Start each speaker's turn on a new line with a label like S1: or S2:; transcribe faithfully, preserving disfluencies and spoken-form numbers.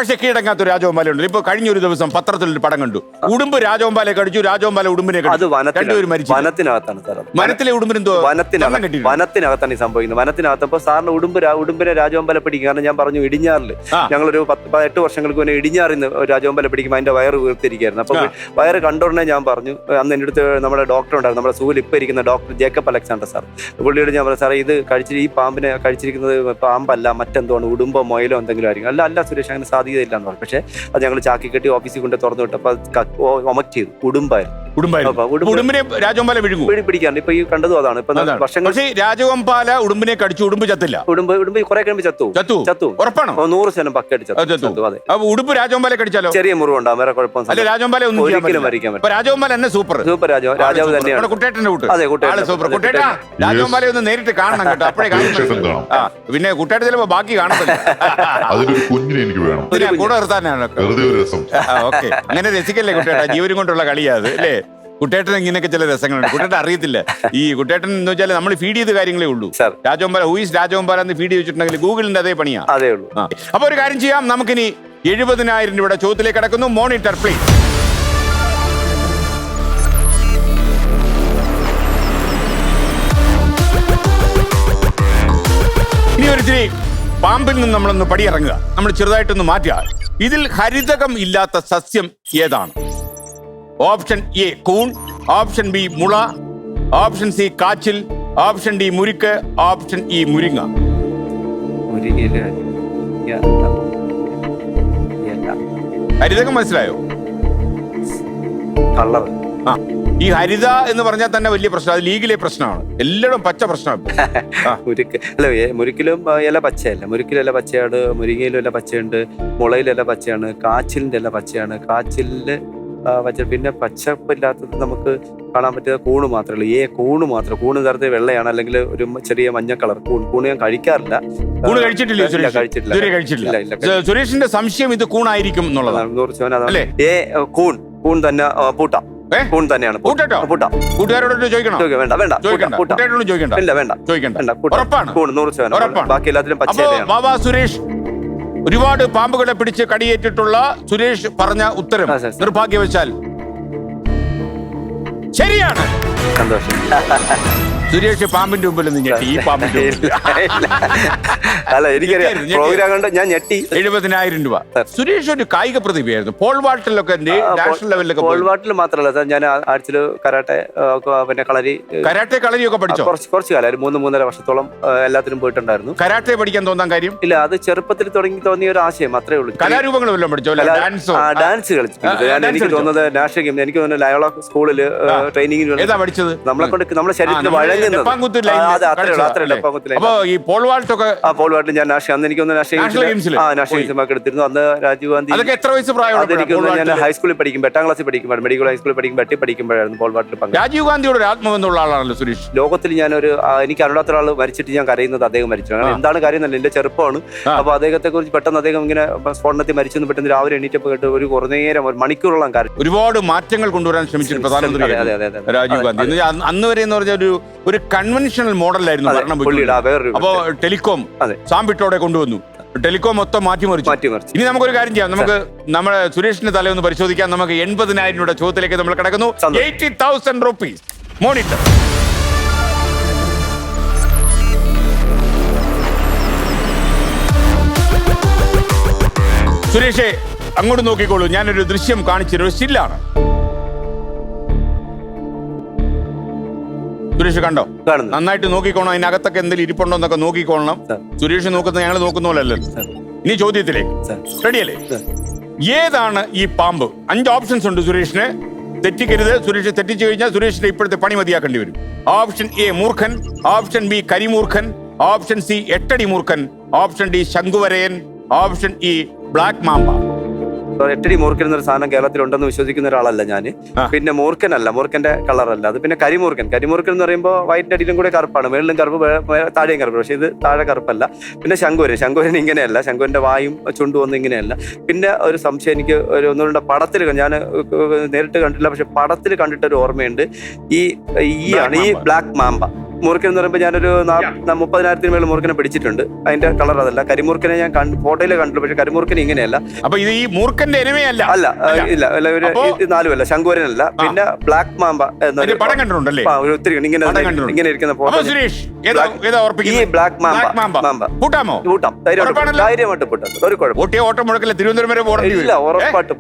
S1: പക്ഷെ കീഴടങ്ങാത്ത രാജഗോപാലുണ്ട്. ഇപ്പൊ കഴിഞ്ഞൊരു ദിവസം പത്രത്തിലൊരു പടം കണ്ടു. ഉടുമ്പ് രാജഗോപാലെ കടിച്ചു, രാജഗോപാല ഉടുമ്പിനെ കടിച്ചു. രണ്ടുപേരും മരിച്ചു.
S2: വനത്തിനകത്താണ് സാർ.
S1: വനത്തിലെ ഉടുമ്പിനെന്തോ
S2: വനത്തിനകത്ത് വനത്തിനകത്താണ് ഈ സംഭവിക്കുന്നത്. വനത്തിനകത്തപ്പോ സാറിന് ഉടുമ്പ് ഉടുമ്പിനെ രാജഗോപാല പിടിക്കും. കാരണം ഞാൻ പറഞ്ഞു ഇടിഞ്ഞാറില് ഞങ്ങളൊരു പത്ത് എട്ട് വർഷങ്ങൾക്ക് മുന്നേ ഇടിഞ്ഞാറിന്ന് രാജഗോപാല പിടിക്കുമ്പോൾ അതിന്റെ വയറ് വീർത്തിരിക്കുകയായിരുന്നു. അപ്പൊ വയറ് കണ്ടോടനെ ഞാൻ പറഞ്ഞു, അന്ന് എൻ്റെ അടുത്ത് നമ്മുടെ ഡോക്ടർ ഉണ്ടായിരുന്നു, നമ്മുടെ സൂവിൽ ഇപ്പൊ ഇരിക്കുന്ന ഡോക്ടർ ജേക്കബ് അലക്സാണ്ടർ സാർ. പുള്ളിയോട് ഞാൻ പറഞ്ഞു, സാറേ ഇത് കഴിച്ചിട്ട് ഈ പാമ്പിനെ കഴിച്ചിരിക്കുന്നത് പാമ്പല്ല, മറ്റെന്തോണ്, ഉടുമ്പോ മൊയിലോ എന്തെങ്കിലും ആയിരിക്കും. അല്ല അല്ല സുരേഷ്, അങ്ങനെ സാധ്യതയില്ല എന്ന് പറഞ്ഞു. പക്ഷെ അത് ഞങ്ങൾ ചാക്കി കെട്ടി ഓഫീസിൽ കൊണ്ട് തുറന്നു വിട്ടപ്പോൾ ഒമക്ട് ചെയ്തു. ഉടുമ്പായിരുന്നു.
S1: ഉടുമ്പിനെ രാജഗോപാല വിഴുങ്ങും
S2: പിടിക്കാറുണ്ട്. ഇപ്പൊ ഈ കണ്ടതും അതാണ്. ഇപ്പൊ വർഷങ്ങൾ
S1: രാജഗോപാല ഉടുമ്പിനെ കടിച്ചു, ഉടുമ്പ് ചത്തില്ല.
S2: ഉടുമ്പ് ഉടുമ്പ് കുറെ കഴിയുമ്പോൾ ചത്തു ചത്തു ചത്തു ഉറപ്പാണോ? നൂറ് ശതമാനം പക്കയായിട്ട് ചത്തു. അതെ.
S1: ഉടുമ്പ് രാജഗോപാലെ കടിച്ചാലോ ചെറിയ
S2: മുറിവുണ്ടാവും, വേറെ കുഴപ്പമൊന്നും.
S1: രാജഗോപാല ഒരിക്കലും മരിക്കാൻ പറ്റും. രാജഗോപാല തന്നെ സൂപ്പർ സൂപ്പർ രാജാവ് രാജാവ് തന്നെയാണ്. കുട്ടേട്ടന്റെ കൂട്ട്. അതെ, കുട്ടേട്ടൻ സൂപ്പർ. കുട്ടേട്ടാ രാജഗോപാലെ ഒന്ന് നേരിട്ട് കാണണം കേട്ടോ, അപ്പഴേ കാണും. പിന്നെ കുട്ടേട്ട ചിലപ്പോ ബാക്കി കാണത്തില്ല. കൂടെ നിർത്താനാണ്. ഓക്കെ, അങ്ങനെ രസിക്കല്ലേ കുട്ടേട്ടാ, ജീവനും കൊണ്ടുള്ള കളിയാത് അല്ലേ? കുട്ടേട്ടൻ ഇങ്ങനെയൊക്കെ ചില രസങ്ങളുണ്ട്. കുട്ടേട്ടൻ അറിയത്തില്ല. ഈ കുട്ടേട്ടൻ എന്ന് വെച്ചാൽ നമ്മൾ ഫീഡ് ചെയ്ത കാര്യങ്ങളേ ഉള്ളൂ. രാജഗോപാല ഹൂയിസ് രാജഗോപാല എന്ന് ഫീഡ് ചെയ്തിട്ടുണ്ടെങ്കിൽ ഗൂഗിളിന്റെ അതേ പണിയാ.
S2: അതേ ഉള്ളൂ.
S1: അപ്പൊ ഒരു കാര്യം ചെയ്യാം, നമുക്കിനി എഴുപതിനായിരം രൂപയുടെ ചോദ്യത്തിലേക്ക് കടക്കുന്നു. Monitor please. ഇനി ഒരിച്ചിരി പാമ്പിൽ നിന്ന് നമ്മളൊന്ന് പടിയിറങ്ങുക, നമ്മൾ ചെറുതായിട്ടൊന്ന് മാറ്റുക. ഇതിൽ ഹരിതകം ഇല്ലാത്ത സസ്യം ഏതാണ്? ഓപ്ഷൻ എ കൂൺ, ഓപ്ഷൻ ബി മുള, ഓപ്ഷൻ സി കാച്ചിൽ, ഓപ്ഷൻ ഡി മുരിക്ക്, ഓപ്ഷൻ ഇ മുരിങ്ങ. ഹരിതകം മനസ്സിലായോ?
S2: കളർ.
S1: ആ, ഈ ഹരിത എന്ന് പറഞ്ഞാൽ തന്നെ വലിയ പ്രശ്നം. അത് ലീഗിലെ പ്രശ്നമാണ്. എല്ലായിടും പച്ച പ്രശ്നമാണ്.
S2: മുരിക്ക് അല്ല, മുരിക്കിലും ഇല പച്ചയല്ല. മുരിക്കിലും ഇല പച്ചയാണ്, മുരിങ്ങയിലും ഇല പച്ചയുണ്ട്, മുളയിലും ഇല പച്ചയാണ്, കാച്ചിലിന്റെ ഇല പച്ചയാണ്, കാച്ചിലില് പച്ച. പിന്നെ പച്ചപ്പില്ലാത്തത് നമുക്ക് കാണാൻ പറ്റിയ കൂണ് മാത്രമേ ഉള്ളൂ. ഏ കൂണ് മാത്രം. കൂണ് തരത്തിൽ വെള്ളയാണ്, അല്ലെങ്കിൽ ഒരു ചെറിയ മഞ്ഞ കളർ. കൂൺ കൂണ് ഞാൻ കഴിക്കാറില്ല.
S1: കൂണ് കഴിച്ചിട്ടില്ല? കഴിച്ചിട്ടില്ല. സുരേഷിന്റെ സംശയം ഇത് കൂണായിരിക്കും എന്നുള്ളതാണ്.
S2: നൂറ് ശതമാനം. ഏ കൂൺ കൂൺ തന്നെ പൂട്ട കൂൺ തന്നെയാണ്.
S1: കൂട്ടുകാരോട് ചോദിക്കണം.
S2: വേണ്ട വേണ്ട
S1: ചോദിക്കണ്ട.
S2: ഇല്ല വേണ്ട ചോദിക്കണ്ട. കൂൺ നൂറ് ശതമാനം. ബാക്കി എല്ലാത്തിലും പച്ച.
S1: സുരേഷ് ഒരുപാട് പാമ്പുകളെ പിടിച്ച് കടിയേറ്റിട്ടുള്ള സുരേഷ് പറഞ്ഞ ഉത്തരം നിർഭാഗ്യവശാൽ ശരിയാണ്.
S2: സന്തോഷം.
S1: സുരേഷ് പാമ്പിന്റെ മുമ്പിൽ നിന്ന് ഞെട്ടി. ഈ പാമ്പിന്റെ
S2: അല്ല, എനിക്കറിയാം പ്രോഗ്രാം കണ്ട് ഞാൻ ഞെട്ടി.
S1: എഴുപതിനായിരം രൂപ. സുരേഷ് ഒരു കായിക പ്രതിഭയായിരുന്നു. പോൾ വാൾട്ടിലൊക്കെ നാഷണൽ ലെവലിലൊക്കെ.
S2: പോൾ വാൾട്ടിൽ മാത്രമല്ല സാർ, ഞാൻ ആഴ്ചയിൽ കരാട്ടെ, പിന്നെ കളരി
S1: കരാട്ടെ കളരി ഒക്കെ പഠിച്ചോ?
S2: കുറച്ച് കുറച്ച് കാലം, ഒരു മൂന്ന് മൂന്നര വർഷത്തോളം എല്ലാത്തിനും പോയിട്ടുണ്ടായിരുന്നു.
S1: കരാട്ടെ പഠിക്കാൻ തോന്നാൻ കാര്യം
S2: ഇല്ല, അത് ചെറുപ്പത്തിൽ തുടങ്ങി തോന്നിയ ഒരു ആശയം അത്രേ ഉള്ളൂ.
S1: കലാരൂപങ്ങൾ വല്ലതും പഠിച്ചോ?
S2: ഡാൻസ് കളിച്ചിട്ടുണ്ട് ഞാൻ. എനിക്ക് തോന്നുന്നത് നാഷണൽ ഗെയിം, എനിക്ക് തോന്നുന്നത് ലയോള സ്കൂളിൽ ട്രെയിനിങ്ങിന്
S1: ഏതാ പഠിച്ചത്? നമ്മളെ
S2: കൊണ്ട് നമ്മുടെ ശരീരത്തിൽ വഴങ്ങുന്നത്.
S1: അപ്പൊ ഈ പോൾ വാൾട്ടൊക്കെ
S2: ഞാൻ അന്ന് എനിക്ക് നാഷണൽ ഗെയിംസിലൊക്കെ എടുത്തിരുന്നു. അന്ന് രാജീവ് ഗാന്ധി.
S1: അതൊക്കെ എത്ര വയസ്സ് പ്രായം?
S2: എനിക്ക് ഞാൻ ഹൈസ്കൂളിൽ പഠിക്കുമ്പോൾ, എട്ടാം ക്ലാസ്സിൽ പഠിക്കുമ്പോൾ, മെഡിക്കൽ ഹൈസ്കൂളിൽ പഠിക്കുമ്പോൾ, എട്ടി പഠിക്കുമ്പോഴായിരുന്നു പോൾ വാൾട്ടിൽ പങ്കെടുത്തത്.
S1: രാജീവ് ഗാന്ധിയോട് ഒരു ആത്മബന്ധമുള്ള ആളാണല്ലോ സുരേഷ്.
S2: ലോകത്തിൽ ഞാനൊരു എനിക്ക് അറിയാത്ത ഒരാൾ മരിച്ചിട്ട് ഞാൻ കരയുന്നത് അദ്ദേഹം മരിച്ചു. അങ്ങനെ എന്താണ് കാര്യം എന്നല്ല, എന്റെ ചെറുപ്പമാണ്. അപ്പൊ അദ്ദേഹത്തെ കുറിച്ച് പെട്ടെന്ന് അദ്ദേഹം ഇങ്ങനെ സ്ഫോടനത്തിൽ മരിച്ചെന്ന് പെട്ടെന്ന് രാവിലെ എണീറ്റപ്പോൾ കേട്ട് ഒരു കുറേ നേരം ഒരു മണിക്കൂറോളം കാര്യം.
S1: ഒരുപാട് മാറ്റങ്ങൾ കൊണ്ടുവരാൻ ശ്രമിച്ചിട്ട് പ്രധാനമന്ത്രി രാജീവ് ഗാന്ധി. അന്ന് വരെ എന്ന് പറഞ്ഞ ഒരു ഒരു കൺവെൻഷണൽ മോഡലായിരുന്നു ഭരണം. അപ്പോ ടെലികോം സാമ്പിട്ടോടെ കൊണ്ടുവന്നു. ടെലികോം മൊത്തം മാറ്റിമറിച്ചു. ഇനി നമുക്കൊരു കാര്യം ചെയ്യാം, നമുക്ക് നമ്മുടെ സുരേഷിന്റെ തല ഒന്ന് പരിശോധിക്കാം. നമുക്ക് എൺപതിനായിരം രൂപയുടെ ചോദ്യത്തിലേക്ക് നമ്മൾ കിടക്കുന്നു. Eighty thousand rupees monitor. സുരേഷേ, അങ്ങോട്ട് നോക്കിക്കോളൂ. ഞാനൊരു ദൃശ്യം കാണിച്ചൊരു സ്റ്റില്ലാണ്. സുരേഷ് കണ്ടോ? നന്നായിട്ട് നോക്കിക്കോണം. അതിനകത്തൊക്കെ എന്തെങ്കിലും ഇരിപ്പുണ്ടോ എന്നൊക്കെ നോക്കിക്കോളണം. സുരേഷ് നോക്കുന്നത് ഞങ്ങൾ നോക്കുന്ന പോലല്ലോ. ഇനി ചോദ്യത്തിലേക്ക് റെഡിയല്ലേ? ഏതാണ് ഈ പാമ്പ്? അഞ്ച് ഓപ്ഷൻസ് ഉണ്ട് സുരേഷിന്. തെറ്റിക്കരുത്. സുരേഷ് തെറ്റിച്ചു കഴിഞ്ഞാൽ സുരേഷിന്റെ ഇപ്പോഴത്തെ പണി മതിയാക്കേണ്ടി വരും. ഓപ്ഷൻ എ മൂർഖൻ, ഓപ്ഷൻ ബി കരിമൂർഖൻ, ഓപ്ഷൻ സി എട്ടടി മൂർഖൻ, ഓപ്ഷൻ ഡി ശംഖുവരയൻ, ഓപ്ഷൻ ഇ ബ്ലാക്ക് മാമ്പ.
S2: എട്ടടി മൂർഖൻ എന്നൊരു സാധനം കേരളത്തിലുണ്ടെന്ന് വിശ്വസിക്കുന്ന ഒരാളല്ല ഞാൻ. പിന്നെ മൂർഖനല്ല, മൂർഖന്റെ കളറല്ല അത്. പിന്നെ കരിമൂർഖൻ. കരിമൂർഖൻ എന്ന് പറയുമ്പോൾ വൈറ്റിന്റെ അടിയിലും കൂടെ കറുപ്പാണ്, മേളിലും കറുപ്പ്, താഴെയും കറുപ്പ്. പക്ഷെ ഇത് താഴെ കറുപ്പല്ല. പിന്നെ ശംഖുവരൻ. ശംഖുവരൻ ഇങ്ങനെയല്ല. ശംഖുവിന്റെ വായും ചുണ്ടും ഒന്നും ഇങ്ങനെയല്ല. പിന്നെ ഒരു സംശയം എനിക്ക് ഒരു ഒന്നുകൂടെ പടത്തിൽ, ഞാൻ നേരിട്ട് കണ്ടില്ല, പക്ഷെ പടത്തിൽ കണ്ടിട്ടൊരു ഓർമ്മയുണ്ട്. ഈ ഈ ആണ് ഈ ബ്ലാക്ക് മാമ്പ. മൂർഖൻ എന്ന് പറയുമ്പോൾ ഞാനൊരു നാ- മുപ്പതിനായിരത്തിന് മേളിൽ മൂർഖനെ പിടിച്ചിട്ടുണ്ട്. അതിന്റെ കളർ അതല്ല. കരിമൂർഖനെ ഞാൻ ഫോട്ടോയിൽ കണ്ടു, പക്ഷെ കരിമൂർഖൻ ഇങ്ങനെയല്ല.
S1: അപ്പൊ ഇത് ഈ മൂർഖന്റെ എനിമയല്ല.
S2: അല്ല ഇല്ല അല്ല ഒരു
S1: അപ്പോ-
S2: ഇത് നാലുമല്ല, ശങ്കുവരനല്ല. പിന്നെ ബ്ലാക്ക് മാമ്പ എന്നൊരു
S1: അതിന്റെ പടം കണ്ടിട്ടുണ്ടല്ലേ?
S2: ആ, ഒരു ഒത്തിരി ഇങ്ങനെ
S1: പടം കണ്ടിട്ടുണ്ട്.
S2: ഇങ്ങനെ ഇരിക്കുന്ന
S1: അപ്പൊ
S2: ഫോട്ടോ.
S1: സുരേഷ് ഏതാ ഏതാ
S2: ഈ
S1: ഉറപ്പിക്കുന്നത്?
S2: Black mamba
S1: Black mamba.
S2: Mamba
S1: കൂട്ടാമോ?
S2: കൂട്ടാം. ധൈര്യമായിട്ട്
S1: ഉറപ്പാണല്ലോ?
S2: ധൈര്യമായിട്ട് കൂട്ടാം. ഒരു കുഴപ്പം
S1: ഓട്ടിയ ഓട്ടം മുടക്കില്ല, തിരുവനന്തപുരം വരെ പോകേണ്ടി
S2: ഇല്ല,
S1: വരും.
S2: ഉറപ്പായിട്ട്